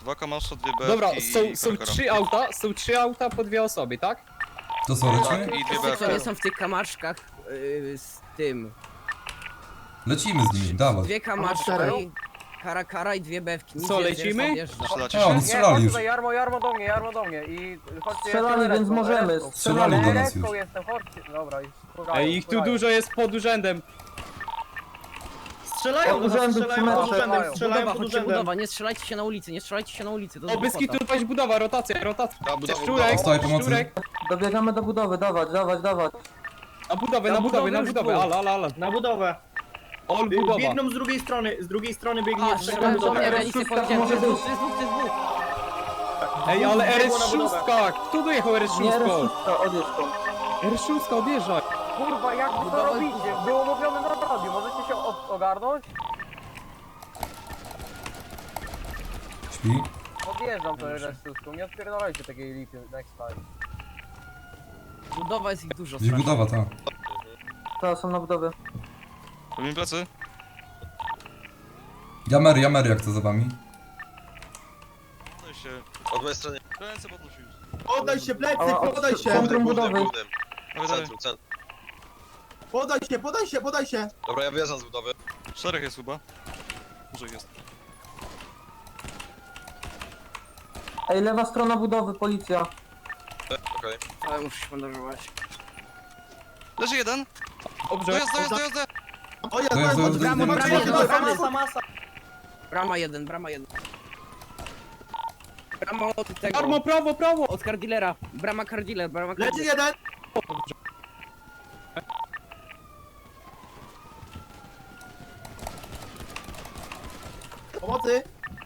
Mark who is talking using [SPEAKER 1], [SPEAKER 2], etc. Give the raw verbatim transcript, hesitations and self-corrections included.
[SPEAKER 1] Dwa kamasza, dwie B.
[SPEAKER 2] Dobra,
[SPEAKER 1] i
[SPEAKER 2] są, są
[SPEAKER 1] Karkara.
[SPEAKER 2] trzy auta, są trzy auta po dwie osoby, tak?
[SPEAKER 3] To co, lecimy?
[SPEAKER 1] I dwie
[SPEAKER 4] Wszyscy, co nie
[SPEAKER 1] B.
[SPEAKER 4] są w tych kamaszkach yy, z tym.
[SPEAKER 3] Lecimy z nimi, dawaj.
[SPEAKER 4] Dwie kamaszki, kara kara i dwie bewki. Nic
[SPEAKER 2] Co,
[SPEAKER 4] więcej,
[SPEAKER 2] lecimy?
[SPEAKER 4] reszta odjeżdża.
[SPEAKER 1] Strzelacie
[SPEAKER 3] A, oni
[SPEAKER 1] się?
[SPEAKER 5] Nie,
[SPEAKER 3] strzelali
[SPEAKER 5] chodź
[SPEAKER 3] już.
[SPEAKER 5] tutaj, Jarmo, Jarmo do mnie, Jarmo do mnie i chodźcie...
[SPEAKER 6] Strzelali,
[SPEAKER 5] jestem
[SPEAKER 6] więc
[SPEAKER 5] Eretką,
[SPEAKER 6] możemy.
[SPEAKER 5] Eretką.
[SPEAKER 3] Strzelali do nas
[SPEAKER 5] Eretką
[SPEAKER 3] już.
[SPEAKER 5] jestem, chodźcie, dobra, już spokojnie,
[SPEAKER 2] Ej, ich tu
[SPEAKER 5] spokojnie.
[SPEAKER 2] dużo jest pod urzędem.
[SPEAKER 7] Strzelają do nas,
[SPEAKER 6] Urzędu
[SPEAKER 7] strzelają pod
[SPEAKER 6] przy
[SPEAKER 7] urzędem,
[SPEAKER 5] metrze.
[SPEAKER 7] strzelają
[SPEAKER 4] Budowa,
[SPEAKER 7] pod
[SPEAKER 4] chodźcie
[SPEAKER 7] urzędem.
[SPEAKER 4] budowa, nie strzelajcie się na ulicy, nie strzelajcie się na ulicy, to
[SPEAKER 2] O, bez
[SPEAKER 4] głupota.
[SPEAKER 2] kitu paść budowa, rotacja, rotacja.
[SPEAKER 1] Ta budowa,
[SPEAKER 2] Szczurek,
[SPEAKER 3] Stoi pomocy.
[SPEAKER 2] szczurek.
[SPEAKER 6] Dobiegamy do budowy, dawać, dawać, dawać.
[SPEAKER 2] Na budowę,
[SPEAKER 4] Na
[SPEAKER 2] na budowę, na
[SPEAKER 4] budowę już
[SPEAKER 2] budowę,
[SPEAKER 4] było.
[SPEAKER 2] ala, ala, ala.
[SPEAKER 7] Na budowę.
[SPEAKER 2] Ol budowa.
[SPEAKER 7] Biegną z drugiej strony, z drugiej strony biegnie
[SPEAKER 4] A,
[SPEAKER 7] jeszcze
[SPEAKER 4] strzelają do
[SPEAKER 7] budowa.
[SPEAKER 4] mnie, ja nic nie
[SPEAKER 6] szóstka
[SPEAKER 4] powiedziałem, to
[SPEAKER 6] może
[SPEAKER 4] jest
[SPEAKER 6] być.
[SPEAKER 4] dwóch, to jest dwóch, to jest dwóch.
[SPEAKER 2] Ej, ale R S
[SPEAKER 7] Biegło na budowę.
[SPEAKER 2] sześć, kto dojechał R S
[SPEAKER 6] Nie,
[SPEAKER 2] sześć?
[SPEAKER 6] R odjedź stąd.
[SPEAKER 2] R S sześć, odjeżdżaj.
[SPEAKER 5] Kurwa, jak wy to
[SPEAKER 4] Budowa-
[SPEAKER 5] robicie? Było mówione na radiu, możecie się o- ogarnąć?
[SPEAKER 3] Śpi.
[SPEAKER 5] Odjeżdżam to resztówką, nie odpierdolajcie takiej lipy next time.
[SPEAKER 4] Budowa jest ich dużo
[SPEAKER 3] Gdzieś
[SPEAKER 4] strasznie.
[SPEAKER 3] budowa, ta.
[SPEAKER 6] Teraz są na budowie.
[SPEAKER 1] Robimy plecy?
[SPEAKER 3] Jamery, jamery, jak to za wami?
[SPEAKER 1] Podaj się.
[SPEAKER 8] Od mojej strony.
[SPEAKER 1] Ręce podnosił.
[SPEAKER 7] Podaj się plecy,
[SPEAKER 6] A, a,
[SPEAKER 7] podaj się!
[SPEAKER 6] Centrum budowy.
[SPEAKER 1] Dawaj, dawaj.
[SPEAKER 8] Centrum, centrum.
[SPEAKER 7] Podaj się, podaj się, podaj się!
[SPEAKER 8] Dobra, ja wyjeżdżam z budowy.
[SPEAKER 1] Czterech jest chyba. Może jest.
[SPEAKER 6] Ej, lewa strona budowy, policja.
[SPEAKER 8] Okej.
[SPEAKER 4] Ale muszę się bandażować.
[SPEAKER 1] Leży jeden.
[SPEAKER 2] Dobrze.
[SPEAKER 1] Dojazd, dojazd, dojazd.
[SPEAKER 7] O ja,
[SPEAKER 3] To jest- to jest-
[SPEAKER 4] Brama,
[SPEAKER 3] to jest-
[SPEAKER 4] brama,
[SPEAKER 3] to jest-
[SPEAKER 4] brama,
[SPEAKER 7] masa, masa!
[SPEAKER 4] Brama jeden, brama jeden. Brama od tego,
[SPEAKER 2] Armo, prawo, prawo.
[SPEAKER 4] od kardilera. Brama kardiller, brama
[SPEAKER 7] Leży
[SPEAKER 4] kardiller.
[SPEAKER 7] jeden!